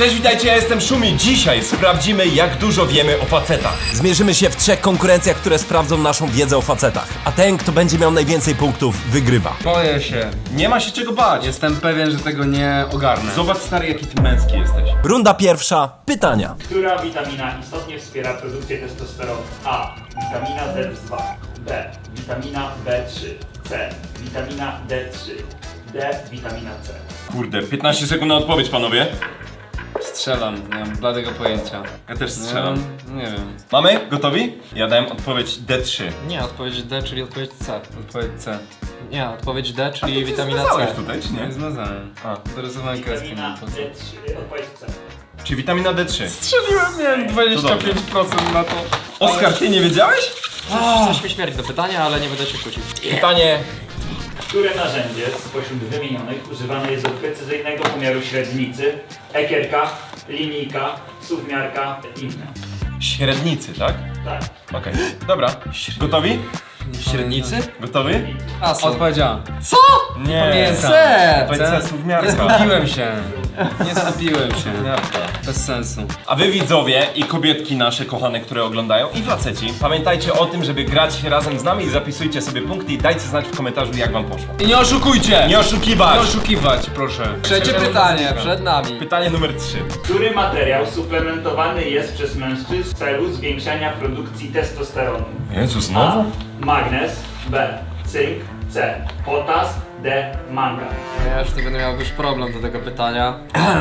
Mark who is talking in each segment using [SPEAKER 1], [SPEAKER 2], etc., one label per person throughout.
[SPEAKER 1] Cześć, witajcie, ja jestem Szumi. Dzisiaj sprawdzimy, jak dużo wiemy o facetach. Zmierzymy się w 3 konkurencjach, które sprawdzą naszą wiedzę o facetach. A ten, kto będzie miał najwięcej punktów, wygrywa.
[SPEAKER 2] Boję się.
[SPEAKER 1] Nie ma się czego bać.
[SPEAKER 2] Jestem pewien, że tego nie ogarnę.
[SPEAKER 1] Zobacz, stary, jaki ty męski jesteś. Runda pierwsza. Pytania.
[SPEAKER 3] Która witamina istotnie wspiera produkcję testosteronu? A. Witamina D2. B. Witamina B3. C. Witamina D3. D. Witamina C.
[SPEAKER 1] Kurde, 15 sekund na odpowiedź, panowie.
[SPEAKER 2] Strzelam, nie mam bladego pojęcia.
[SPEAKER 1] Ja też strzelam.
[SPEAKER 2] Nie wiem.
[SPEAKER 1] Mamy? Gotowi? Ja dałem odpowiedź D3.
[SPEAKER 4] Nie, odpowiedź D, czyli odpowiedź C.
[SPEAKER 2] Odpowiedź C.
[SPEAKER 4] Nie, odpowiedź D, czyli
[SPEAKER 1] Ty
[SPEAKER 4] witamina
[SPEAKER 1] zmazałeś
[SPEAKER 4] C.
[SPEAKER 1] tutaj, czy
[SPEAKER 2] Nie
[SPEAKER 1] nie?
[SPEAKER 2] zmazałem.
[SPEAKER 1] A.
[SPEAKER 2] Dorysowałem kreskę.
[SPEAKER 3] Witamina
[SPEAKER 2] po co.
[SPEAKER 3] D3. Odpowiedź C.
[SPEAKER 1] Czy witamina D3?
[SPEAKER 2] Strzeliłem, miałem 25% na to.
[SPEAKER 1] Oskar, ty nie wiedziałeś?
[SPEAKER 4] Jesteśmy śmierć do pytania, ale nie będę się kłócił.
[SPEAKER 1] Pytanie.
[SPEAKER 3] Które narzędzie spośród wymienionych używane jest do precyzyjnego pomiaru średnicy? Ekierka, linijka, suwmiarka, inne.
[SPEAKER 1] Średnicy, tak?
[SPEAKER 3] Tak.
[SPEAKER 1] Okej, dobra. Gotowi?
[SPEAKER 4] Średnicy?
[SPEAKER 1] Gotowi?
[SPEAKER 4] A, są.
[SPEAKER 2] Odpowiedziałem.
[SPEAKER 4] Co?
[SPEAKER 1] Nie.
[SPEAKER 2] Pamiętam.
[SPEAKER 4] C!
[SPEAKER 1] Odpowiedź C, słówniarka.
[SPEAKER 2] Nie skupiłem się. Nie skupiłem się. Bez sensu.
[SPEAKER 1] A wy widzowie i kobietki nasze kochane, które oglądają i faceci, pamiętajcie o tym, żeby grać razem z nami i zapisujcie sobie punkty i dajcie znać w komentarzu, jak wam poszło.
[SPEAKER 2] I nie oszukujcie!
[SPEAKER 1] Nie oszukiwać!
[SPEAKER 2] Nie oszukiwać, proszę.
[SPEAKER 4] Trzecie pytanie, przed nami.
[SPEAKER 1] Pytanie numer 3.
[SPEAKER 3] Który materiał suplementowany jest przez mężczyzn w celu zwiększania produkcji testosteronu?
[SPEAKER 1] Jezus,
[SPEAKER 3] A. Magnez. B. Cynk. C. Potas. D. Mangan.
[SPEAKER 4] Ja już tu będę miał już problem do tego pytania.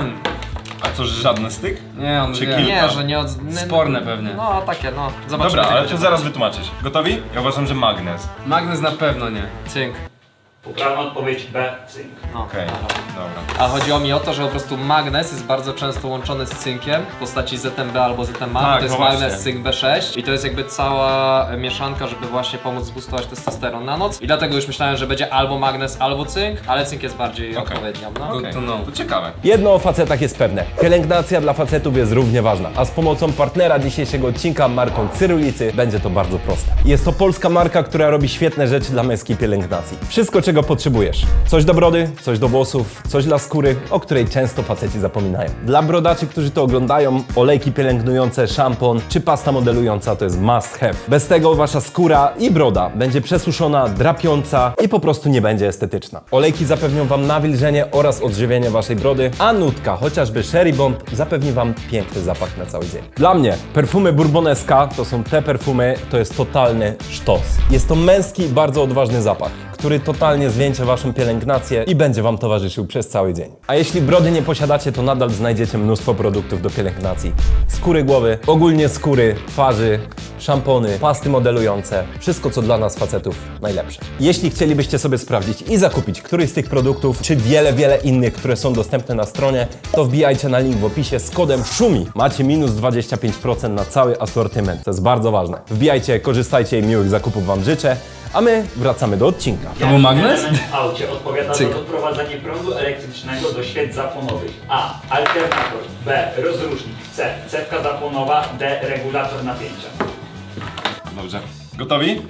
[SPEAKER 1] A co, że żadny styk?
[SPEAKER 2] Nie, on
[SPEAKER 1] Czy
[SPEAKER 2] wie.
[SPEAKER 1] kilka?
[SPEAKER 4] Nie, że nie od...
[SPEAKER 2] Sporne pewnie.
[SPEAKER 4] No, takie, no. Zobaczymy.
[SPEAKER 1] Dobra,
[SPEAKER 4] jak
[SPEAKER 1] ale
[SPEAKER 4] będzie.
[SPEAKER 1] to zaraz wytłumaczyć. Gotowi? Ja uważam, że magnez.
[SPEAKER 2] Magnez na pewno nie.
[SPEAKER 4] Cynk.
[SPEAKER 3] Poprawna odpowiedź B. Cynk.
[SPEAKER 4] No,
[SPEAKER 1] Okej,
[SPEAKER 4] dobra.
[SPEAKER 1] dobra.
[SPEAKER 4] A chodziło mi o to, że po prostu magnez jest bardzo często łączony z cynkiem w postaci ZMB albo ZMA.
[SPEAKER 1] Tak,
[SPEAKER 4] To jest
[SPEAKER 1] no właśnie.
[SPEAKER 4] magnez, cynk B6 i to jest jakby cała mieszanka, żeby właśnie pomóc zboostować testosteron na noc. I dlatego już myślałem, że będzie albo magnez, albo cynk, ale cynk jest bardziej
[SPEAKER 1] Okej.
[SPEAKER 4] odpowiednią. No.
[SPEAKER 1] Okej,
[SPEAKER 2] to no.
[SPEAKER 1] to ciekawe.
[SPEAKER 5] Jedno o facetach jest pewne. Pielęgnacja dla facetów jest równie ważna, a z pomocą partnera dzisiejszego odcinka, marką Cyrulicy, będzie to bardzo proste. Jest to polska marka, która robi świetne rzeczy dla męskiej pielęgnacji. Wszystko, czego potrzebujesz. Coś do brody, coś do włosów, coś dla skóry, o której często faceci zapominają. Dla brodaczy, którzy to oglądają, olejki pielęgnujące, szampon czy pasta modelująca to jest must have. Bez tego wasza skóra i broda będzie przesuszona, drapiąca i po prostu nie będzie estetyczna. Olejki zapewnią wam nawilżenie oraz odżywienie waszej brody, a nutka, chociażby Sherry Bomb, zapewni wam piękny zapach na cały dzień. Dla mnie perfumy Bourboneska to są te perfumy, to jest totalny sztos. Jest to męski, bardzo odważny zapach, który totalnie zwieńczy waszą pielęgnację i będzie wam towarzyszył przez cały dzień. A jeśli brody nie posiadacie, to nadal znajdziecie mnóstwo produktów do pielęgnacji. Skóry głowy, ogólnie skóry, twarzy, szampony, pasty modelujące. Wszystko, co dla nas facetów najlepsze. Jeśli chcielibyście sobie sprawdzić i zakupić któryś z tych produktów, czy wiele innych, które są dostępne na stronie, to wbijajcie na link w opisie z kodem SZUMI. Macie minus 25% na cały asortyment. To jest bardzo ważne. Wbijajcie, korzystajcie i miłych zakupów wam życzę. A my wracamy do odcinka.
[SPEAKER 2] To był magnes?
[SPEAKER 3] Element w aucie odpowiada
[SPEAKER 4] Cyk.
[SPEAKER 3] za odprowadzanie prądu elektrycznego do świec zapłonowych. A. Alternator. B. Rozrusznik. C. Cewka zapłonowa. D. Regulator napięcia.
[SPEAKER 1] Dobrze. Gotowi?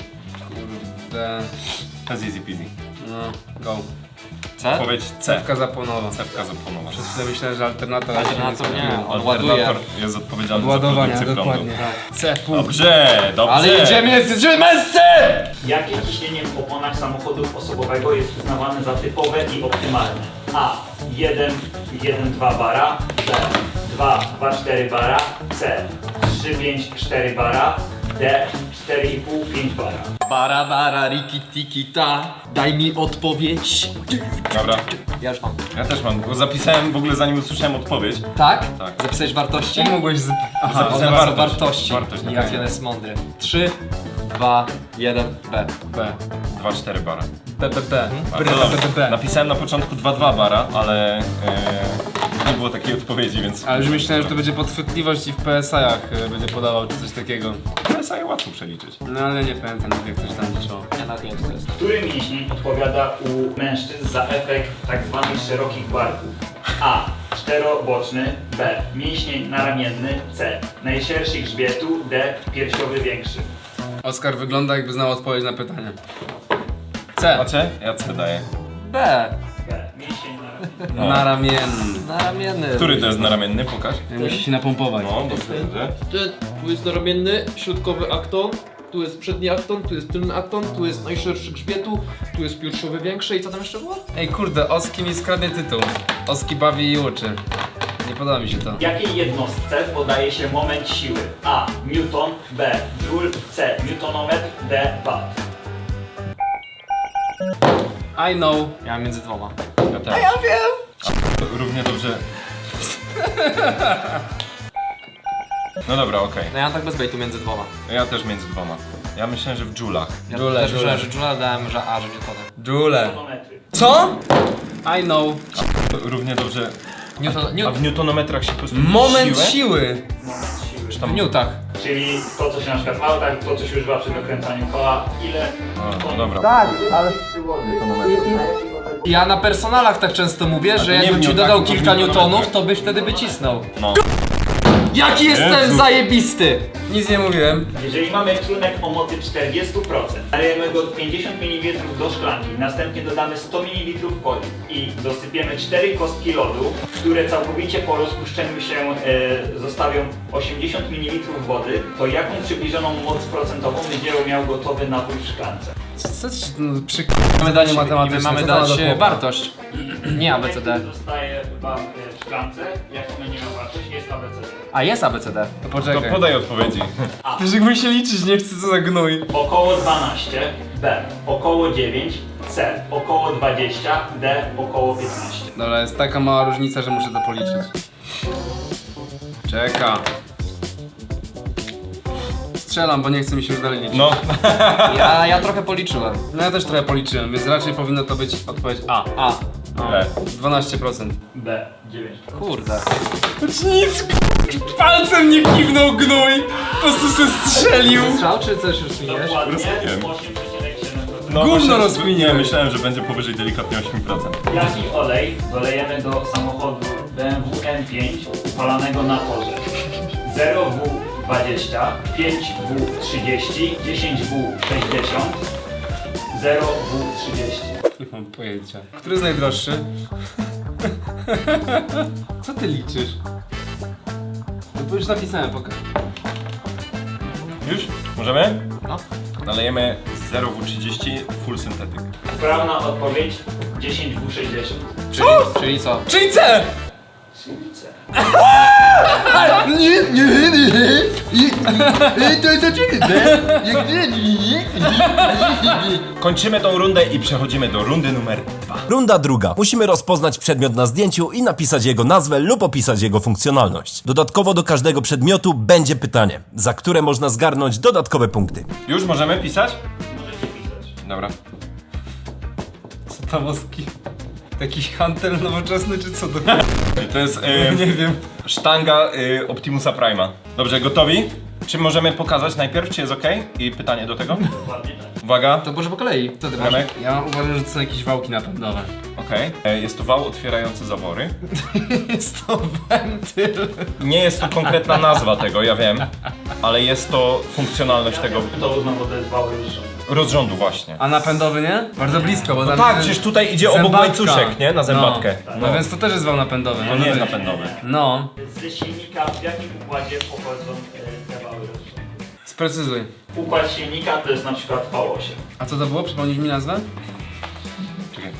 [SPEAKER 2] D.
[SPEAKER 1] To jest easy peasy.
[SPEAKER 2] No, go.
[SPEAKER 4] C?
[SPEAKER 1] Odpowiedź C.
[SPEAKER 2] Cewka zapłonowa.
[SPEAKER 1] Cewka zapłonowa.
[SPEAKER 2] Przez chwilę myślałem, że alternator...
[SPEAKER 4] Alternator nie, on ładuje.
[SPEAKER 1] Alternator jest odpowiedzialny za
[SPEAKER 2] Ładowania,
[SPEAKER 1] produkcję
[SPEAKER 2] dokładnie.
[SPEAKER 1] prądu.
[SPEAKER 2] C, pół.
[SPEAKER 1] Dobrze, dobrze.
[SPEAKER 4] Ale jedziemy męscy!
[SPEAKER 3] Jakie ciśnienie w oponach samochodu osobowego jest uznawane za typowe i optymalne? A. 1,2 bara. B. 2,4 bara. C. 3,4 bara. D. 4,5 bara.
[SPEAKER 4] Bara, bara, riki, tiki, ta. Daj mi odpowiedź.
[SPEAKER 1] Dobra.
[SPEAKER 4] Ja już mam.
[SPEAKER 1] Ja też mam, bo zapisałem w ogóle zanim usłyszałem odpowiedź.
[SPEAKER 4] Tak?
[SPEAKER 1] Tak.
[SPEAKER 4] Zapisałeś wartości?
[SPEAKER 2] Jak mogłeś z... Aha,
[SPEAKER 1] Zapisałem
[SPEAKER 4] Wartości.
[SPEAKER 1] wartość.
[SPEAKER 4] Wartości.
[SPEAKER 1] Wartość,
[SPEAKER 4] Jak
[SPEAKER 1] okej.
[SPEAKER 4] jeden jest mądry. 3, 2, 1, B.
[SPEAKER 2] B.
[SPEAKER 1] 2,4 bara.
[SPEAKER 2] B.
[SPEAKER 1] Bardzo dobrze. Napisałem na początku 2,2 bara, ale nie było takiej odpowiedzi, więc...
[SPEAKER 2] Ale już myślałem, że to będzie podchwytliwość i w PSI-ach będzie podawał czy coś takiego.
[SPEAKER 1] PSI łatwo przeliczyć.
[SPEAKER 2] No ale nie pamiętam, jak ktoś tam liczył.
[SPEAKER 4] Nie, nawet nie wiem co to jest.
[SPEAKER 3] Który mięsień odpowiada u mężczyzn za efekt tzw. szerokich barków? A. Czteroboczny. B. Mięsień naramienny. C. Najszerszy grzbietu. D. Piersiowy większy.
[SPEAKER 2] Oskar wygląda, jakby znał odpowiedź na pytanie. C.
[SPEAKER 1] A C? Ja C daję.
[SPEAKER 4] B.
[SPEAKER 3] B. Mięsień naramienny.
[SPEAKER 2] Naramienny.
[SPEAKER 4] Naramienny.
[SPEAKER 1] Który to jest naramienny? Pokaż.
[SPEAKER 2] Musi się napompować.
[SPEAKER 1] No, dobrze.
[SPEAKER 4] Tu jest naramienny, środkowy akton, tu jest przedni akton, tu jest tylny akton, tu jest najszerszy grzbietu, tu jest piersiowy większy i co tam jeszcze było?
[SPEAKER 2] Ej kurde, Oski mi skradnie tytuł. Oski bawi i uczy. Nie podoba mi się to.
[SPEAKER 3] Jakiej jednostce podaje się moment siły? A. Newton, B. Joule, C. Newtonometr, D. Watt.
[SPEAKER 2] I know.
[SPEAKER 4] Ja mam między dwoma.
[SPEAKER 1] Ja też. A ja wiem! Równie dobrze. No dobra, okej.
[SPEAKER 4] No ja mam tak bez bejtu między dwoma.
[SPEAKER 1] Ja też między dwoma. Ja myślałem, że w dżulach.
[SPEAKER 4] Ja
[SPEAKER 2] Joule,
[SPEAKER 4] też
[SPEAKER 2] Joule.
[SPEAKER 4] myślałem, że Joule dałem, że A, że Newtony.
[SPEAKER 2] Joule.
[SPEAKER 3] Newtonometry.
[SPEAKER 2] Co? I know.
[SPEAKER 1] Równie dobrze. A
[SPEAKER 4] Newton,
[SPEAKER 1] w newtonometrach się po prostu
[SPEAKER 2] Moment
[SPEAKER 1] siłę?
[SPEAKER 2] siły.
[SPEAKER 3] Moment siły.
[SPEAKER 4] w newtach.
[SPEAKER 3] Czyli to, co się na przykład w autach, to, co się używa przy dokręcaniu koła, ile?
[SPEAKER 1] A, no dobra.
[SPEAKER 4] Ja na personalach tak często mówię, że
[SPEAKER 1] to nie
[SPEAKER 4] jakbym
[SPEAKER 1] w
[SPEAKER 4] ci
[SPEAKER 1] newtach,
[SPEAKER 4] dodał
[SPEAKER 1] tylko w
[SPEAKER 4] kilka
[SPEAKER 1] newtonometrach.
[SPEAKER 4] newtonów, to byś wtedy wycisnął.
[SPEAKER 1] No.
[SPEAKER 4] Jaki jestem
[SPEAKER 1] Jezu.
[SPEAKER 4] zajebisty!
[SPEAKER 2] Nic nie mówiłem.
[SPEAKER 3] Jeżeli mamy trunek o mocy 40%, nalejemy go 50 ml do szklanki, następnie dodamy 100 ml coli i dosypiemy 4 kostki lodu, które całkowicie po rozpuszczeniu się zostawią 80 ml wody, to jaką przybliżoną moc procentową będzie miał gotowy napój w szklance?
[SPEAKER 2] Co ci przy wydaniu
[SPEAKER 4] I
[SPEAKER 2] matematyczne?
[SPEAKER 4] my mamy
[SPEAKER 2] co to ma
[SPEAKER 4] dać
[SPEAKER 2] do chłopa?
[SPEAKER 4] wartość. Nie ABCD.
[SPEAKER 3] Jaki zostaje wam w szklance, jak będzie miał wartość, jest ABCD.
[SPEAKER 4] A jest ABCD.
[SPEAKER 2] To
[SPEAKER 1] To
[SPEAKER 2] poczekaj.
[SPEAKER 1] podaj odpowiedzi.
[SPEAKER 2] Też jak się liczyć nie chcę, co za gnój.
[SPEAKER 3] Około 12, B około 9, C około 20, D około 15.
[SPEAKER 2] Dobra, jest taka mała różnica, że muszę to policzyć. Czeka. Strzelam, bo nie chce mi się już dalej liczyć.
[SPEAKER 1] No.
[SPEAKER 4] Ja trochę policzyłem.
[SPEAKER 2] No ja też trochę policzyłem, więc raczej powinno to być odpowiedź A.
[SPEAKER 4] A.
[SPEAKER 2] No,
[SPEAKER 1] B.
[SPEAKER 2] 12%.
[SPEAKER 3] B 9.
[SPEAKER 4] Kurde.
[SPEAKER 2] Nic, palcem nie kiwnął gnój! Po prostu się strzelił!
[SPEAKER 4] Strzał czy coś już zmieniłeś?
[SPEAKER 3] Dokładnie
[SPEAKER 1] Rozumiem.
[SPEAKER 3] 8,7%.
[SPEAKER 1] No
[SPEAKER 2] Gówno
[SPEAKER 1] właśnie,
[SPEAKER 2] rozkminiłem.
[SPEAKER 1] Nie, myślałem, że będzie powyżej delikatnie 8%.
[SPEAKER 3] Jaki olej dolejemy do samochodu BMW M5 upalanego na torze? 0W20, 5W30, 10W60, 0W30.
[SPEAKER 2] Nie mam pojęcia. Który jest najdroższy? Co ty liczysz? No bo już napisałem, pokaż.
[SPEAKER 1] Już? Możemy?
[SPEAKER 4] No.
[SPEAKER 1] Nalejemy 0W30 full synthetyk.
[SPEAKER 3] Poprawna odpowiedź 10W60.
[SPEAKER 4] Czyli co?
[SPEAKER 2] Czyli C!
[SPEAKER 3] Słońce.
[SPEAKER 1] Kończymy tą rundę i przechodzimy do rundy numer 2.
[SPEAKER 5] Runda druga. Musimy rozpoznać przedmiot na zdjęciu i napisać jego nazwę lub opisać jego funkcjonalność. Dodatkowo do każdego przedmiotu będzie pytanie, za które można zgarnąć dodatkowe punkty.
[SPEAKER 1] Już możemy pisać?
[SPEAKER 3] Możecie pisać.
[SPEAKER 1] Dobra.
[SPEAKER 2] Co tam oski? Jakiś hantel nowoczesny czy co to?
[SPEAKER 1] To jest
[SPEAKER 2] Nie wiem.
[SPEAKER 1] sztanga Optimusa Prime'a. Dobrze, gotowi? Czy możemy pokazać najpierw, czy jest ok? I pytanie do tego?
[SPEAKER 3] Dokładnie tak.
[SPEAKER 1] Uwaga.
[SPEAKER 4] To może po kolei. Co ty masz?
[SPEAKER 1] Remek?
[SPEAKER 2] Ja uważam, że to są jakieś wałki napędowe.
[SPEAKER 1] Okej. Jest to wał otwierający zawory.
[SPEAKER 2] Jest to wentyl.
[SPEAKER 1] Nie jest to konkretna nazwa tego, ja wiem. Ale jest to funkcjonalność tego
[SPEAKER 3] To uznam, bo to jest wał rozrządu.
[SPEAKER 1] rozrządu właśnie.
[SPEAKER 2] A napędowy nie? Bardzo blisko, bo tam
[SPEAKER 1] Tak,
[SPEAKER 2] jest
[SPEAKER 1] przecież tutaj idzie obok
[SPEAKER 2] zębatka.
[SPEAKER 1] łańcuszek, nie? Na zębatkę.
[SPEAKER 2] No więc to też jest wał napędowy.
[SPEAKER 1] To
[SPEAKER 2] może
[SPEAKER 1] nie jest
[SPEAKER 2] być.
[SPEAKER 1] napędowy.
[SPEAKER 2] No,
[SPEAKER 3] Ze silnika w jakim układzie pochodzą te wały rozrządu?
[SPEAKER 2] sprecyzuj.
[SPEAKER 3] Układ silnika to jest na przykład V8.
[SPEAKER 2] A co to było? Przypomnisz mi nazwę?
[SPEAKER 1] Czekaj.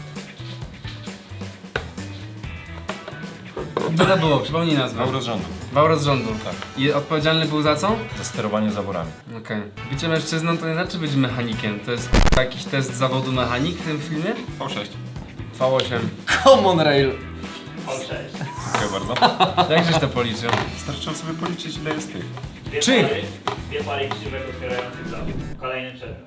[SPEAKER 2] Co to było? Przypomnij nazwę.
[SPEAKER 1] Wał rozrządu.
[SPEAKER 2] Wał rozrządu.
[SPEAKER 1] Tak.
[SPEAKER 2] I odpowiedzialny był za co?
[SPEAKER 1] Za sterowanie zaworami.
[SPEAKER 2] Okej. Bycie mężczyzną to nie znaczy być mechanikiem. To jest jakiś test zawodu mechanik w tym filmie?
[SPEAKER 1] V6.
[SPEAKER 2] V8.
[SPEAKER 4] Common Rail.
[SPEAKER 3] V6.
[SPEAKER 1] Dziękuję bardzo.
[SPEAKER 2] Jak żeś to policzył?
[SPEAKER 1] Starczyło sobie policzyć, ile jest tych.
[SPEAKER 3] Dwie pary krzywek otwierających zawód. Kolejny przedmiot.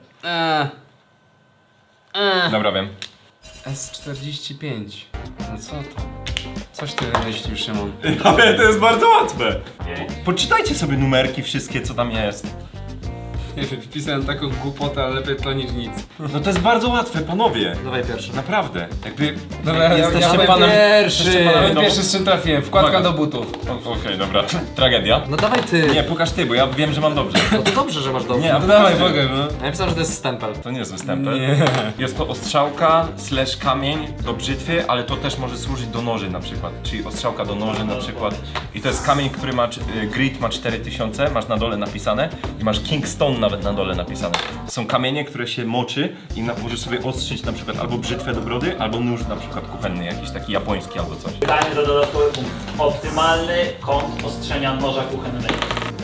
[SPEAKER 1] Dobra, wiem.
[SPEAKER 2] S45. No co to? Coś ty wymyślił, Szymon.
[SPEAKER 1] Ale to jest bardzo łatwe.
[SPEAKER 3] 5,
[SPEAKER 1] Poczytajcie sobie numerki wszystkie, co tam jest.
[SPEAKER 2] Nie wiem, wpisałem taką głupotę, ale lepiej to niż nic.
[SPEAKER 1] No to jest bardzo łatwe, panowie.
[SPEAKER 4] Dawaj pierwszy.
[SPEAKER 1] Naprawdę. Jakby
[SPEAKER 2] Dobra,
[SPEAKER 1] jesteście
[SPEAKER 2] powiem
[SPEAKER 1] panem...
[SPEAKER 4] Pierwszy!
[SPEAKER 2] Ale pierwszy z czym trafiłem, wkładka
[SPEAKER 1] Uwaga.
[SPEAKER 2] do butów.
[SPEAKER 1] Okej, dobra. Tragedia.
[SPEAKER 4] No dawaj ty!
[SPEAKER 1] Nie, pokaż ty, bo ja wiem, że mam dobrze.
[SPEAKER 4] No to dobrze, że masz dobrze.
[SPEAKER 1] Nie, a
[SPEAKER 2] No dawaj,
[SPEAKER 1] pokaż ty.
[SPEAKER 2] pokaż, no.
[SPEAKER 4] Ja myślałem, że to jest stempel.
[SPEAKER 1] To nie jest występem. Jest to ostrzałka / kamień do brzytwy, ale to też może służyć do noży na przykład. Czyli ostrzałka do noży na przykład. I to jest kamień, który ma, grit ma 4000, masz na dole napisane i masz Kingstone nawet na dole napisane. Są kamienie, które się moczy i możesz sobie ostrzyć na przykład albo brzytwę do brody, albo nóż na przykład kuchenny, jakiś taki japoński albo coś.
[SPEAKER 3] Pytanie za dodatkowy punkt. Optymalny kąt ostrzenia noża kuchennego.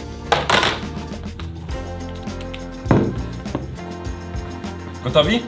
[SPEAKER 1] Gotowi?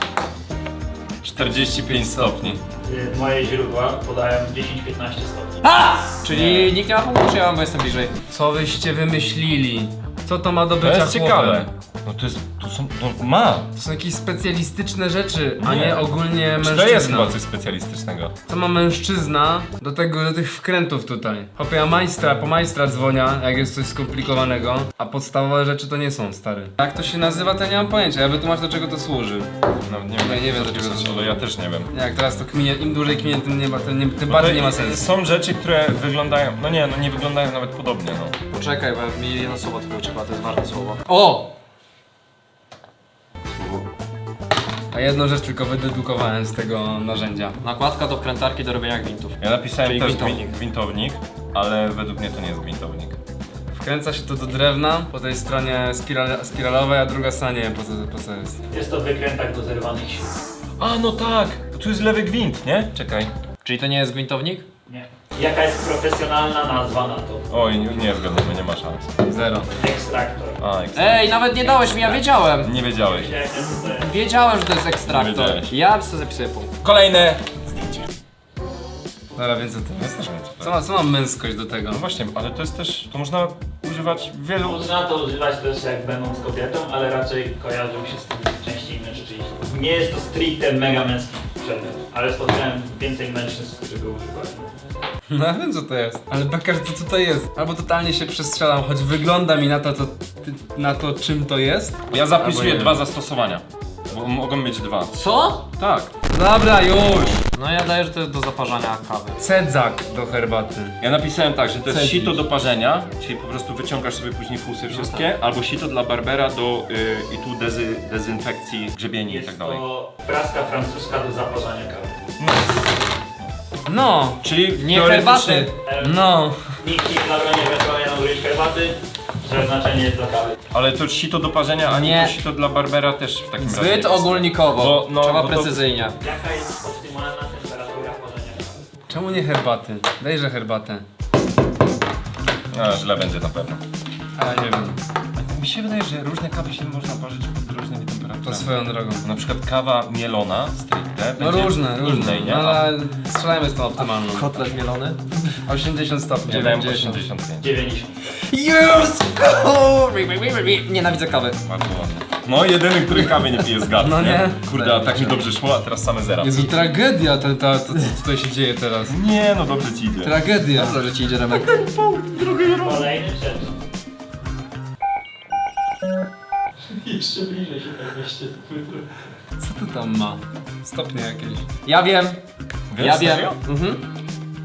[SPEAKER 1] 45 stopni.
[SPEAKER 3] Moje źródła podają 10-15 stopni.
[SPEAKER 4] Czyli nikt nie ma punktu, czy ja mam, bo jestem bliżej.
[SPEAKER 2] Co wyście wymyślili? Co to ma do
[SPEAKER 1] To
[SPEAKER 2] bycia
[SPEAKER 1] jest
[SPEAKER 2] chłopem?
[SPEAKER 1] ciekawe. No to jest, to są, to ma.
[SPEAKER 2] To są jakieś specjalistyczne rzeczy, a
[SPEAKER 1] Nie.
[SPEAKER 2] nie ogólnie
[SPEAKER 1] Czy
[SPEAKER 2] mężczyzna.
[SPEAKER 1] to jest chyba coś specjalistycznego?
[SPEAKER 2] Co ma mężczyzna do tych wkrętów tutaj? Hopie, ja po majstra dzwonia, jak jest coś skomplikowanego, a podstawowe rzeczy to nie są, stary. Jak to się nazywa, to nie mam pojęcia, ja wytłumaczę do czego to służy.
[SPEAKER 1] No, nie wiem,
[SPEAKER 2] Ja nie wiem,
[SPEAKER 1] co
[SPEAKER 2] do czego to
[SPEAKER 1] ale ja też nie wiem.
[SPEAKER 2] Jak teraz to kminie, im dłużej kminie, tym
[SPEAKER 1] No
[SPEAKER 2] bardziej
[SPEAKER 1] to
[SPEAKER 2] nie ma sensu.
[SPEAKER 1] Są rzeczy, które wyglądają, no nie wyglądają nawet podobnie, no.
[SPEAKER 4] Poczekaj, bo mi jedno słowo tylko uciekło, to jest ważne słowo. O!
[SPEAKER 2] A jedną rzecz tylko wydedukowałem z tego narzędzia.
[SPEAKER 4] Nakładka do wkrętarki do robienia gwintów.
[SPEAKER 1] Ja napisałem
[SPEAKER 4] Czyli
[SPEAKER 1] też
[SPEAKER 4] gwintownik.
[SPEAKER 1] gwintownik, ale według mnie to nie jest gwintownik.
[SPEAKER 2] Wkręca się to do drewna, po tej stronie spiralowej, a druga strona nie wiem po co jest.
[SPEAKER 3] Jest to wykrętak do zerwanych śrub.
[SPEAKER 1] A, no tak! Tu jest lewy gwint, nie? Czekaj.
[SPEAKER 4] Czyli to nie jest gwintownik?
[SPEAKER 3] Nie. Jaka jest profesjonalna nazwa na to?
[SPEAKER 1] Oj, nie zgadnę, nie ma szans.
[SPEAKER 2] Zero.
[SPEAKER 3] Ekstraktor.
[SPEAKER 1] A,
[SPEAKER 4] Ej, nawet nie dałeś mi, ja wiedziałem!
[SPEAKER 1] nie wiedziałeś.
[SPEAKER 3] Wiedziałem, co to jest.
[SPEAKER 4] Wiedziałem, że to jest ekstraktor.
[SPEAKER 1] Wiedziałeś.
[SPEAKER 4] Ja sobie zapisuję punkt.
[SPEAKER 1] Kolejne!
[SPEAKER 2] Dobra, więc co to jest? Co ma męskość do tego?
[SPEAKER 1] No właśnie, ale to jest też, to można używać w wielu...
[SPEAKER 3] Można to używać też jak będąc kobietą, ale raczej kojarzą się z tym częściej mężczyźni. Nie jest to stricte mega męski przedmiot, ale spotkałem więcej mężczyzn, którzy go używali.
[SPEAKER 2] No ja wiem co to jest. Ale beka, że to co to jest? Albo totalnie się przestrzelam, choć wygląda mi na to czym to jest.
[SPEAKER 1] Ja zapisuję
[SPEAKER 2] Albo nie
[SPEAKER 1] 2
[SPEAKER 2] wiem.
[SPEAKER 1] zastosowania, bo mogą mieć 2.
[SPEAKER 4] Co?
[SPEAKER 1] Tak.
[SPEAKER 2] Dobra, już!
[SPEAKER 4] No ja daję, że to jest do zaparzania kawy.
[SPEAKER 2] Cedzak do herbaty.
[SPEAKER 1] Ja napisałem tak, że to jest
[SPEAKER 2] Cedzisz.
[SPEAKER 1] sito do parzenia, czyli po prostu wyciągasz sobie później fusy wszystkie, albo sito dla barbera do i tu dezynfekcji grzebieni i tak
[SPEAKER 3] Jest
[SPEAKER 1] dalej.
[SPEAKER 3] to praska francuska do zaparzania kawy.
[SPEAKER 2] No!
[SPEAKER 1] Czyli
[SPEAKER 4] Nie
[SPEAKER 1] teoretycznie-
[SPEAKER 4] herbaty.
[SPEAKER 2] No!
[SPEAKER 3] Nikt nie zabroni ewentualnie nadużyć herbaty, że znaczenie jest dla kawy.
[SPEAKER 1] Ale to sito do parzenia, a nie
[SPEAKER 4] Nie.
[SPEAKER 1] to sito dla barbera też w takim razie.
[SPEAKER 4] Zbyt
[SPEAKER 1] jest.
[SPEAKER 4] ogólnikowo.
[SPEAKER 1] Bo- no,
[SPEAKER 4] Trzeba
[SPEAKER 1] bo to-
[SPEAKER 4] precyzyjnie.
[SPEAKER 3] Jaka jest optymalna temperatura parzenia kawy?
[SPEAKER 2] Czemu nie herbaty? Dejże herbatę.
[SPEAKER 1] A, źle będzie na pewno.
[SPEAKER 2] Ale nie wiem.
[SPEAKER 1] Mi się wydaje, że różne kawy się można parzyć pod różnymi
[SPEAKER 2] To
[SPEAKER 1] temperaturami.
[SPEAKER 2] swoją drogą.
[SPEAKER 1] Na przykład kawa mielona stricte
[SPEAKER 2] No
[SPEAKER 1] będzie
[SPEAKER 2] różne,
[SPEAKER 1] innej, nie?
[SPEAKER 2] No, ale strzelajmy z tą optymalną.
[SPEAKER 4] Kotlet mielony?
[SPEAKER 2] 80 stopni.
[SPEAKER 1] Ja dałem
[SPEAKER 2] 90.
[SPEAKER 1] 85.
[SPEAKER 3] 90.
[SPEAKER 4] Yes! Nienawidzę kawy.
[SPEAKER 1] Bardzo ładnie. No jedyny, który kawy nie pije z gadu,
[SPEAKER 2] No nie.
[SPEAKER 1] Kurde, a tak mi dobrze szło, a teraz same zera.
[SPEAKER 2] Jezu, tragedia to co tutaj się dzieje teraz.
[SPEAKER 1] Nie, no dobrze ci idzie.
[SPEAKER 2] Tragedia.
[SPEAKER 4] Co, że ci idzie Remek?
[SPEAKER 3] Kolejny przedmiot. Jeszcze bliżej się tak weźcie.
[SPEAKER 2] Co to tam ma? Stopnie jakieś.
[SPEAKER 4] Ja wiem.
[SPEAKER 1] Wiesz,
[SPEAKER 4] Ja wiem.
[SPEAKER 1] serio?
[SPEAKER 4] Mhm.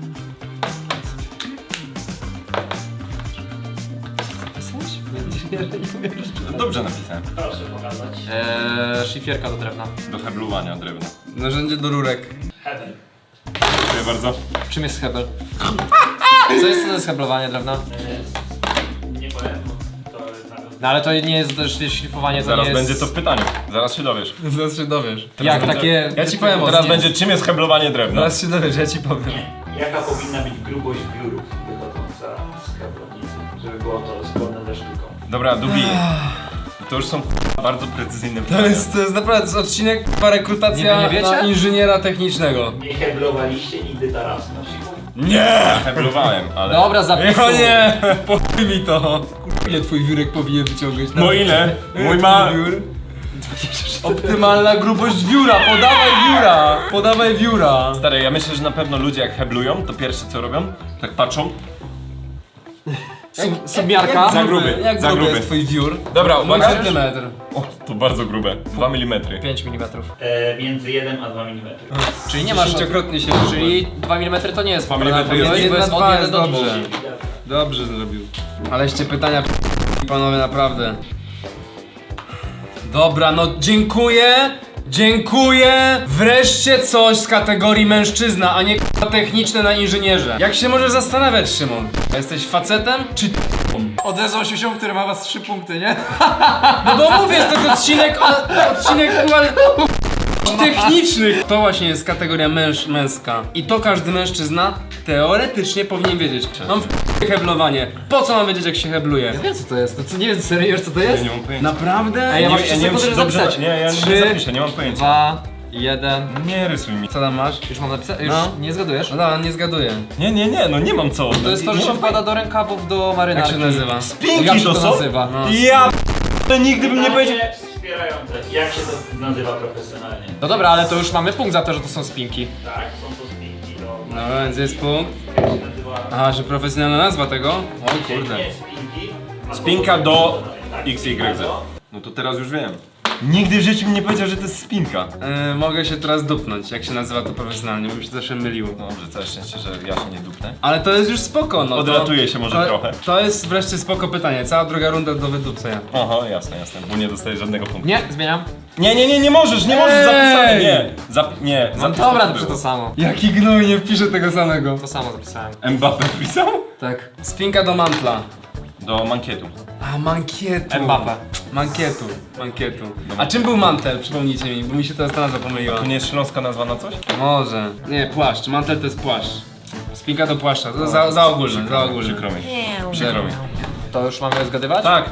[SPEAKER 1] Dobrze napisałem.
[SPEAKER 3] Proszę pokazać.
[SPEAKER 4] Szlifierka do drewna.
[SPEAKER 1] Do heblowania drewna.
[SPEAKER 2] Narzędzie do rurek.
[SPEAKER 3] Heaven.
[SPEAKER 1] Dziękuję bardzo.
[SPEAKER 4] Czym jest hebel? Co jest to heblowanie drewna?
[SPEAKER 3] Nie powiem, bo to jest nawet...
[SPEAKER 4] No ale to nie jest też szlifowanie, to
[SPEAKER 1] Zaraz
[SPEAKER 4] nie jest...
[SPEAKER 1] będzie to w pytaniu. Zaraz się dowiesz.
[SPEAKER 2] Zaraz się dowiesz.
[SPEAKER 4] Jak
[SPEAKER 1] będzie-
[SPEAKER 4] takie...
[SPEAKER 2] Ja ci powiem,
[SPEAKER 1] Teraz
[SPEAKER 2] nie.
[SPEAKER 1] będzie czym jest heblowanie drewna.
[SPEAKER 2] Zaraz się dowiesz, ja ci powiem.
[SPEAKER 3] Jaka powinna być grubość wiórów wychodząca z kablownicy, żeby było to zgodne ze sztuką?
[SPEAKER 1] Dobra, Dubi. To już są bardzo precyzyjne
[SPEAKER 2] To
[SPEAKER 1] pytania.
[SPEAKER 2] jest naprawdę to jest odcinek rekrutacja
[SPEAKER 4] Nie wiecie?
[SPEAKER 2] na inżyniera technicznego.
[SPEAKER 3] Nie heblowaliście nigdy tarasu na przykład?
[SPEAKER 1] Nie! Heblowałem, ale...
[SPEAKER 4] Dobra, zapisuj.
[SPEAKER 2] O nie! Pochuj mi to! Ile twój wiórek powinien wyciągać?
[SPEAKER 1] No ile? Mój ma...
[SPEAKER 2] Wiór? Optymalna grubość wióra! Podawaj wióra! Podawaj wióra!
[SPEAKER 1] Stary, ja myślę, że na pewno ludzie jak heblują, to pierwsze co robią, tak patrzą
[SPEAKER 4] Submiarka.
[SPEAKER 1] Za gruby,
[SPEAKER 2] Jak
[SPEAKER 1] za
[SPEAKER 2] gruby
[SPEAKER 1] gruby.
[SPEAKER 2] jest twój wiór?
[SPEAKER 1] Dobra,
[SPEAKER 2] Mój
[SPEAKER 1] uwaga.
[SPEAKER 2] centymetr.
[SPEAKER 1] O, to bardzo grube. 2 mm.
[SPEAKER 4] 5 mm.
[SPEAKER 3] Między 1 a 2 mm.
[SPEAKER 4] Czyli nie masz...
[SPEAKER 2] Dziesięciokrotnie się
[SPEAKER 4] Czyli 2 mm to nie jest
[SPEAKER 1] 2 mm
[SPEAKER 4] to
[SPEAKER 1] jest-
[SPEAKER 4] jest
[SPEAKER 2] Jedna,
[SPEAKER 4] od
[SPEAKER 2] dwa
[SPEAKER 4] 1
[SPEAKER 2] jest
[SPEAKER 4] do 2.
[SPEAKER 2] dobrze. Dobrze zrobił. Aleście pytania panowie, naprawdę. Dobra, no dziękuję. Dziękuję! Wreszcie coś z kategorii mężczyzna, a nie k***a techniczne na inżynierze. Jak się możesz zastanawiać, Szymon? Jesteś facetem czy
[SPEAKER 4] Odezwał się ziom, który ma was 3 punkty, nie?
[SPEAKER 2] No bo mówię, to jest odcinek technicznych. To właśnie jest kategoria męska. I to każdy mężczyzna teoretycznie powinien wiedzieć. Mam heblowanie. Po co mam wiedzieć, jak się hebluje?
[SPEAKER 4] Wiem co to jest, to co nie wiem serio wiesz co to jest?
[SPEAKER 1] Nie mam pojęcia.
[SPEAKER 2] Naprawdę?
[SPEAKER 4] Ej, ja mam
[SPEAKER 1] nie
[SPEAKER 4] 3
[SPEAKER 1] wiem,
[SPEAKER 4] sekundy,
[SPEAKER 1] czy
[SPEAKER 4] żeby
[SPEAKER 1] dobrze-
[SPEAKER 4] zapisać.
[SPEAKER 1] nie, ja nie
[SPEAKER 4] 3,
[SPEAKER 1] zapiszę, nie mam pojęcia.
[SPEAKER 4] 2, 1.
[SPEAKER 1] Nie rysuj mi.
[SPEAKER 2] Co tam masz?
[SPEAKER 4] Już mam napisać? Już
[SPEAKER 2] No.
[SPEAKER 4] nie zgadujesz?
[SPEAKER 2] No dobra, nie zgaduję.
[SPEAKER 1] Nie, no nie mam co.
[SPEAKER 4] To jest to, że się wkłada do rękawów do marynarki.
[SPEAKER 2] Jak się nazywa?
[SPEAKER 1] Spinki
[SPEAKER 4] Jak się
[SPEAKER 1] to
[SPEAKER 4] to
[SPEAKER 1] są?
[SPEAKER 4] nazywa?
[SPEAKER 2] No.
[SPEAKER 1] Ja to nigdy bym nie powiedział.
[SPEAKER 3] Pytanie wspierające. Jak się to nazywa profesjonalnie?
[SPEAKER 4] No dobra, ale to już mamy punkt za to, że to są spinki.
[SPEAKER 3] Tak, są to spinki. To
[SPEAKER 2] No więc jest punkt.
[SPEAKER 3] jak się nazywa?
[SPEAKER 2] Aha, że profesjonalna nazwa tego? O kurde.
[SPEAKER 3] Nie spinki. a
[SPEAKER 1] Spinka
[SPEAKER 3] po
[SPEAKER 1] do
[SPEAKER 3] prostu tak,
[SPEAKER 1] XYZ.
[SPEAKER 3] spinka do-
[SPEAKER 1] No to teraz już wiem. Nigdy w życiu mi nie powiedział, że to jest spinka.
[SPEAKER 2] Mogę się teraz dupnąć, jak się nazywa to profesjonalnie, bo mi się zawsze myliło.
[SPEAKER 1] No dobrze, całe szczęście, że ja się nie dupnę.
[SPEAKER 2] Ale to jest już spoko, no.
[SPEAKER 1] Odlatuje się może trochę.
[SPEAKER 2] To jest wreszcie spoko pytanie. Cała druga runda do wydupcenia.
[SPEAKER 1] Aha, jasne, bo nie dostaję żadnego punktu.
[SPEAKER 4] Nie, zmieniam.
[SPEAKER 1] Nie możesz
[SPEAKER 2] Ej!
[SPEAKER 1] zapisane, nie. Nie,
[SPEAKER 4] No
[SPEAKER 1] zapisz
[SPEAKER 4] dobra,
[SPEAKER 1] co
[SPEAKER 4] to przy to samo.
[SPEAKER 2] Jaki gnój, nie wpiszę tego samego.
[SPEAKER 4] To samo zapisałem.
[SPEAKER 1] Mbappé wpisał?
[SPEAKER 4] Tak.
[SPEAKER 2] Spinka do mantla.
[SPEAKER 1] Do mankietu.
[SPEAKER 2] A, mankietu.
[SPEAKER 4] Mbappé.
[SPEAKER 2] Mankietu. A czym był mantel? Przypomnijcie mi, bo mi się teraz ta nazwa pomyliła.
[SPEAKER 1] To nie jest śląska nazwa na coś?
[SPEAKER 2] Może. Nie, płaszcz. Mantel to jest płaszcz. Spinka do płaszcza. To za ogólne, za ogólne.
[SPEAKER 1] Przykro mi. Przykro mi.
[SPEAKER 4] To już mamy zgadywać?
[SPEAKER 1] Tak.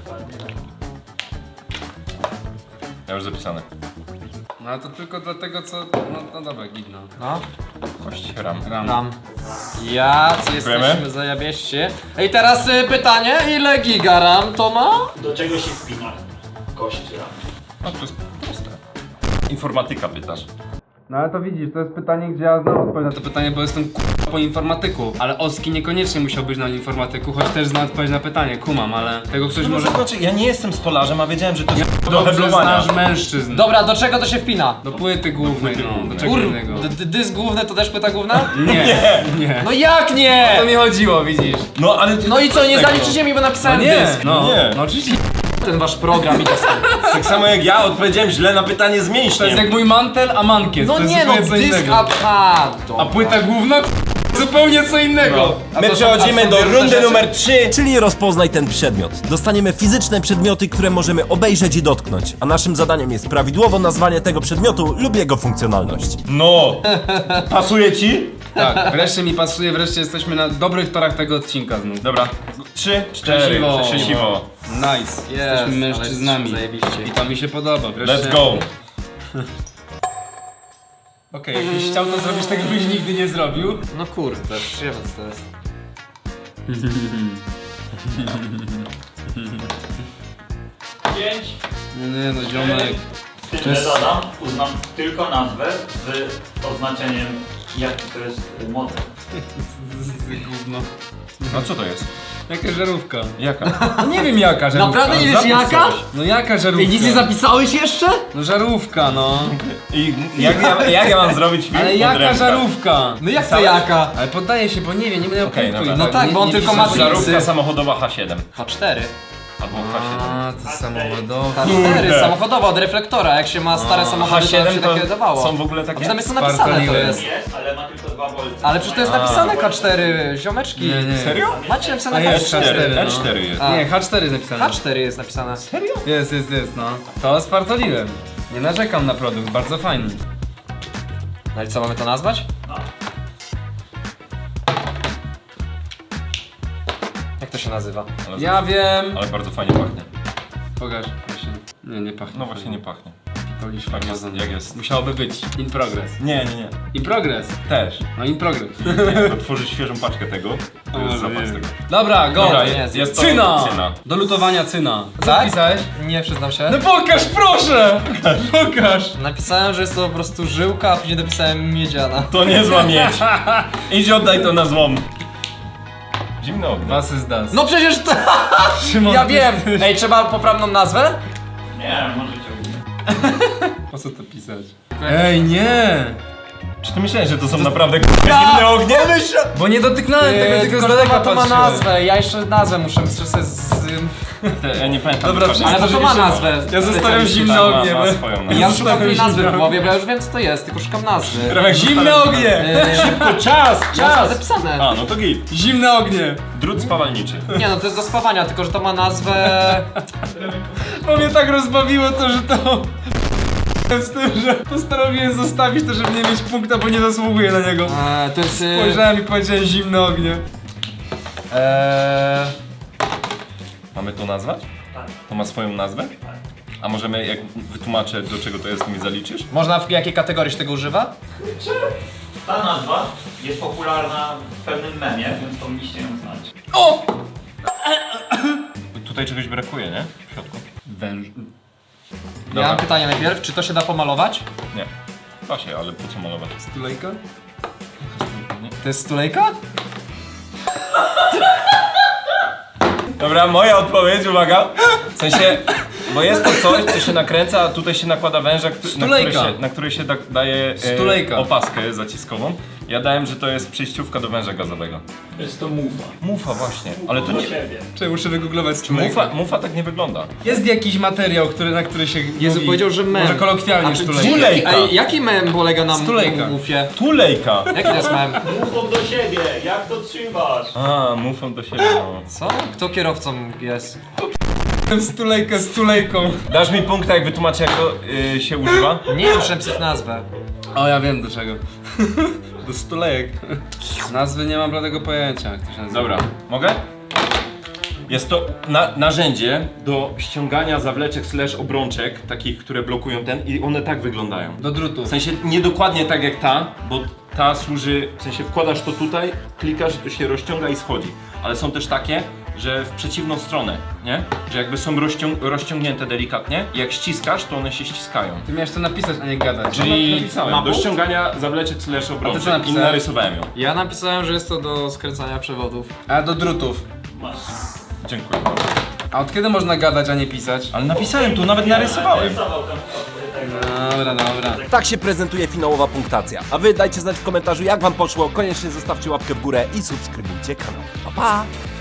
[SPEAKER 1] Ja już zapisane.
[SPEAKER 2] No ale to tylko dlatego, co... No dobra, gidno.
[SPEAKER 4] No.
[SPEAKER 1] Kość ram.
[SPEAKER 4] Tam. Jacy
[SPEAKER 1] Dziękujemy.
[SPEAKER 4] jesteśmy zajabieści. Ej, teraz pytanie, ile giga RAM to ma?
[SPEAKER 3] Do czego się spina kość ram?
[SPEAKER 1] No to jest proste. Informatyka pytasz.
[SPEAKER 2] No ale to widzisz, to jest pytanie, gdzie ja znam odpowiedź na to pytanie, bo jestem po informatyku. Ale Oski niekoniecznie musiał być na informatyku, choć też zna odpowiedź na pytanie, kumam, ale tego ktoś
[SPEAKER 1] No
[SPEAKER 2] może...
[SPEAKER 1] to znaczy, ja nie jestem stolarzem, a wiedziałem, że to jest do
[SPEAKER 2] Dobrze
[SPEAKER 1] heblowania.
[SPEAKER 2] znasz mężczyzn.
[SPEAKER 4] Dobra, do czego to się wpina?
[SPEAKER 2] Do płyty głównej, no, do czego innego.
[SPEAKER 4] Dysk główny to też płyta główna?
[SPEAKER 2] Nie.
[SPEAKER 4] No jak
[SPEAKER 2] O
[SPEAKER 4] nie?
[SPEAKER 2] to mi chodziło, widzisz.
[SPEAKER 1] No ale...
[SPEAKER 4] No i co, nie
[SPEAKER 1] tego.
[SPEAKER 4] zaliczycie mi, bo napisałem
[SPEAKER 2] nie,
[SPEAKER 4] dysk.
[SPEAKER 2] no,
[SPEAKER 1] nie.
[SPEAKER 2] no oczywiście.
[SPEAKER 4] Ten wasz program i to
[SPEAKER 1] Tak samo jak ja odpowiedziałem źle na pytanie z
[SPEAKER 2] To jest
[SPEAKER 1] mięśniem.
[SPEAKER 2] jak mój mantel, a mankiet.
[SPEAKER 4] No
[SPEAKER 2] to jest
[SPEAKER 4] nie no,
[SPEAKER 2] zupełnie co
[SPEAKER 4] dysk,
[SPEAKER 2] innego.
[SPEAKER 4] a
[SPEAKER 2] A płyta główna? Zupełnie co innego. A
[SPEAKER 5] My
[SPEAKER 2] to są-
[SPEAKER 5] przechodzimy
[SPEAKER 2] a są
[SPEAKER 5] do
[SPEAKER 2] pierwsze
[SPEAKER 5] rundy
[SPEAKER 2] rzeczy?
[SPEAKER 5] numer 3, czyli rozpoznaj ten przedmiot. Dostaniemy fizyczne przedmioty, które możemy obejrzeć i dotknąć, a naszym zadaniem jest prawidłowo nazwanie tego przedmiotu lub jego funkcjonalność.
[SPEAKER 1] No. Pasuje ci?
[SPEAKER 2] Tak, wreszcie mi pasuje, wreszcie jesteśmy na dobrych torach tego odcinka znów.
[SPEAKER 1] Dobra. 3, 4.
[SPEAKER 2] Szczęśliwo.
[SPEAKER 1] Szczęśliwo.
[SPEAKER 2] Nice, jesteśmy mężczyznami.
[SPEAKER 4] ale jesteśmy zajebiście.
[SPEAKER 2] I to mi się podoba, wreszcie.
[SPEAKER 1] Let's go.
[SPEAKER 2] Okej, jakbyś chciał to zrobić, tego byś nigdy nie zrobił.
[SPEAKER 4] No kurde, przyjemne to jest.
[SPEAKER 3] Pięć.
[SPEAKER 2] Nie no, ziomek.
[SPEAKER 3] Z tym, że dodam, uznam tylko nazwę z oznaczeniem jaki to jest model.
[SPEAKER 2] Gówno.
[SPEAKER 1] No co to jest?
[SPEAKER 2] Jaka żarówka?
[SPEAKER 1] Jaka?
[SPEAKER 2] No nie wiem jaka żarówka.
[SPEAKER 4] Naprawdę nie wiesz
[SPEAKER 1] Zapisz
[SPEAKER 4] jaka?
[SPEAKER 1] coś.
[SPEAKER 2] No jaka żarówka?
[SPEAKER 4] Ej, nic nie zapisałeś jeszcze?
[SPEAKER 2] No żarówka, no.
[SPEAKER 1] I jak ja mam zrobić film?
[SPEAKER 2] Ale
[SPEAKER 1] pod
[SPEAKER 2] jaka
[SPEAKER 1] rękę?
[SPEAKER 2] żarówka?
[SPEAKER 4] No jak to jaka?
[SPEAKER 2] Ale poddaję się, bo nie wiem, nie będę
[SPEAKER 1] Okej,
[SPEAKER 2] punktu.
[SPEAKER 1] dobra.
[SPEAKER 4] No tak, bo on tylko ma
[SPEAKER 2] piszę,
[SPEAKER 4] żarówkę.
[SPEAKER 1] Żarówka samochodowa H7.
[SPEAKER 4] H4.
[SPEAKER 1] Albo H7.
[SPEAKER 2] A, to samochodowe.
[SPEAKER 4] H4,
[SPEAKER 1] Kurde.
[SPEAKER 4] samochodowa od reflektora. Jak się ma stare samochody, to się
[SPEAKER 1] H7
[SPEAKER 4] takie
[SPEAKER 1] to
[SPEAKER 4] dawało.
[SPEAKER 1] są w ogóle
[SPEAKER 4] A
[SPEAKER 1] takie?
[SPEAKER 4] przynajmniej są napisane to
[SPEAKER 2] Spartoliłem.
[SPEAKER 4] jest.
[SPEAKER 3] Jest, ale ma tylko 2 V.
[SPEAKER 4] Ale przecież to jest napisane K4, ziomeczki.
[SPEAKER 2] Nie.
[SPEAKER 1] Serio?
[SPEAKER 4] Macie napisane
[SPEAKER 2] A jest
[SPEAKER 4] H4.
[SPEAKER 2] H4, no.
[SPEAKER 1] H4 jest.
[SPEAKER 2] Nie, H4 jest napisane.
[SPEAKER 4] H4 jest napisane.
[SPEAKER 2] Jest, no. To spartoliłem. Nie narzekam na produkt, bardzo fajny.
[SPEAKER 4] No i co, mamy to nazwać? Jak to się nazywa?
[SPEAKER 1] Ale,
[SPEAKER 2] Ja wiem.
[SPEAKER 1] ale bardzo fajnie pachnie.
[SPEAKER 2] Pokaż. Właśnie. Nie, nie pachnie.
[SPEAKER 1] No właśnie nie pachnie.
[SPEAKER 2] Pitolisz
[SPEAKER 1] Jak jest?
[SPEAKER 2] farmazon.
[SPEAKER 1] Jak jest?
[SPEAKER 2] Musiałoby być. In progress.
[SPEAKER 1] Nie.
[SPEAKER 2] In progress.
[SPEAKER 1] Też.
[SPEAKER 2] No in progress.
[SPEAKER 1] Jak otworzyć świeżą paczkę tego, to jest zapach z tego.
[SPEAKER 2] Dobra, go!
[SPEAKER 1] Dobra,
[SPEAKER 4] jest
[SPEAKER 1] to
[SPEAKER 2] Cyna!
[SPEAKER 1] cyna.
[SPEAKER 2] Do lutowania cyna. Co
[SPEAKER 4] Tak?
[SPEAKER 2] wpisałeś?
[SPEAKER 4] Nie, przyznam się.
[SPEAKER 2] No pokaż, proszę! Pokaż!
[SPEAKER 4] Napisałem, że jest to po prostu żyłka, a później napisałem miedziana.
[SPEAKER 1] To niezła miedź. Idź oddaj to na złom. Zimne ognie.
[SPEAKER 2] Was is das.
[SPEAKER 4] No przecież to...
[SPEAKER 2] Szymon,
[SPEAKER 4] Ja
[SPEAKER 2] ty
[SPEAKER 4] wiem!
[SPEAKER 2] jesteś-
[SPEAKER 4] Ej, trzeba poprawną nazwę?
[SPEAKER 3] Nie, możecie ogólnie.
[SPEAKER 2] Po co to pisać? Ej, nie!
[SPEAKER 1] Czy ty myślałeś, że to są naprawdę zimne ognie?
[SPEAKER 2] Bo nie dotyknąłem tego, tylko z daleka
[SPEAKER 4] to ma
[SPEAKER 2] patrzyłem.
[SPEAKER 4] nazwę, ja jeszcze nazwę muszę sobie
[SPEAKER 1] Ja nie pamiętam.
[SPEAKER 2] Dobra,
[SPEAKER 1] dokładnie.
[SPEAKER 4] Ale to ma nazwę.
[SPEAKER 2] Ja zostawiam
[SPEAKER 4] specjalistyczną.
[SPEAKER 2] zimne
[SPEAKER 1] Ma
[SPEAKER 2] ognie, bo...
[SPEAKER 1] swoją nazwę.
[SPEAKER 4] Ja szukam
[SPEAKER 2] Zostawiam
[SPEAKER 4] tej nazwy
[SPEAKER 2] zimne
[SPEAKER 4] w głowie, bo ja już wiem co to jest, tylko szukam nazwy.
[SPEAKER 2] Zimne ognie!
[SPEAKER 1] Szybko, czas!
[SPEAKER 4] Czas! Zapisane.
[SPEAKER 1] A, no to git.
[SPEAKER 2] Zimne ognie!
[SPEAKER 1] Drut spawalniczy.
[SPEAKER 4] Nie no, to jest do spawania, tylko że to ma nazwę...
[SPEAKER 2] Bo mnie tak rozbawiło to, że to... Z tym, że postanowiłem zostawić to, żeby nie mieć punkta, bo nie zasługuję na niego.
[SPEAKER 4] To jest...
[SPEAKER 2] Spojrzałem i powiedziałem zimne ognie.
[SPEAKER 1] Mamy to nazwać?
[SPEAKER 3] Tak.
[SPEAKER 1] To ma swoją nazwę? A możemy, jak wytłumaczę do czego to jest, to mi zaliczysz?
[SPEAKER 4] Można w jakiej kategorii się tego używa?
[SPEAKER 3] Ta nazwa jest popularna w pewnym memie, więc powinniście ją znać.
[SPEAKER 4] O!
[SPEAKER 1] Tutaj czegoś brakuje, nie? W środku.
[SPEAKER 2] Węż...
[SPEAKER 4] Ja mam pytanie najpierw, czy to się da pomalować?
[SPEAKER 1] Nie. Da się, ale po co malować?
[SPEAKER 2] Tulejka?
[SPEAKER 4] To jest stulejka?
[SPEAKER 1] Dobra, moja odpowiedź, uwaga. W sensie, bo jest to coś, co się nakręca, a tutaj się nakłada węża,
[SPEAKER 2] Stulejka.
[SPEAKER 1] na który się daje
[SPEAKER 2] Stulejka.
[SPEAKER 1] opaskę zaciskową. Ja dałem, że to jest przejściówka do węża gazowego.
[SPEAKER 3] Jest to mufa.
[SPEAKER 1] Mufa właśnie, ale to nie...
[SPEAKER 3] siebie.
[SPEAKER 2] Czy muszę wygooglować stulejka?
[SPEAKER 1] Mufa tak nie wygląda.
[SPEAKER 2] Jest jakiś materiał, na który się
[SPEAKER 4] Jezu,
[SPEAKER 2] mówi,
[SPEAKER 4] powiedział, że mem.
[SPEAKER 2] może kolokwialnie
[SPEAKER 4] A czy-
[SPEAKER 2] stulejka.
[SPEAKER 1] Stulejka.
[SPEAKER 4] Ej, jaki mem polega na
[SPEAKER 2] Stulejka.
[SPEAKER 4] mufie?
[SPEAKER 1] Tulejka!
[SPEAKER 4] Jaki to jest mem?
[SPEAKER 3] Mufą do siebie, jak to trzymasz?
[SPEAKER 1] A, mufą do siebie, no.
[SPEAKER 4] Co? Kto kierowcą jest?
[SPEAKER 2] Stulejka z tulejką.
[SPEAKER 1] Dasz mi punkt, jak wytłumaczę, jak to się używa?
[SPEAKER 4] Nie, muszę napisać nazwę.
[SPEAKER 2] O, ja wiem do czego. Do stulejek. Nazwy nie mam bladego pojęcia, jak to się nazywa.
[SPEAKER 1] Dobra, mogę? Jest to narzędzie do ściągania zawleczek / obrączek, takich, które blokują ten i one tak wyglądają.
[SPEAKER 2] Do drutu.
[SPEAKER 1] W sensie nie dokładnie tak jak ta, bo ta służy, w sensie wkładasz to tutaj, klikasz i to się rozciąga i schodzi. Ale są też takie, że w przeciwną stronę, nie? Że jakby są rozciągnięte delikatnie i jak ściskasz, to one się ściskają.
[SPEAKER 2] Ty miałeś to napisać, a nie gadać.
[SPEAKER 1] Czyli napisałem,
[SPEAKER 4] ma
[SPEAKER 1] do
[SPEAKER 4] punkt?
[SPEAKER 1] ściągania zawleczek /
[SPEAKER 2] A ty co
[SPEAKER 1] obrączek i
[SPEAKER 2] napisałeś?
[SPEAKER 1] narysowałem ją.
[SPEAKER 4] Ja napisałem, że jest to do skręcania przewodów.
[SPEAKER 2] A do drutów.
[SPEAKER 3] Masz.
[SPEAKER 1] Dziękuję.
[SPEAKER 2] A od kiedy można gadać, a nie pisać?
[SPEAKER 1] Ale napisałem tu, nawet narysowałem.
[SPEAKER 3] Narysował ten tego.
[SPEAKER 2] Dobra, dobra.
[SPEAKER 5] Tak się prezentuje finałowa punktacja. A wy dajcie znać w komentarzu jak wam poszło, koniecznie zostawcie łapkę w górę i subskrybujcie kanał. Pa pa!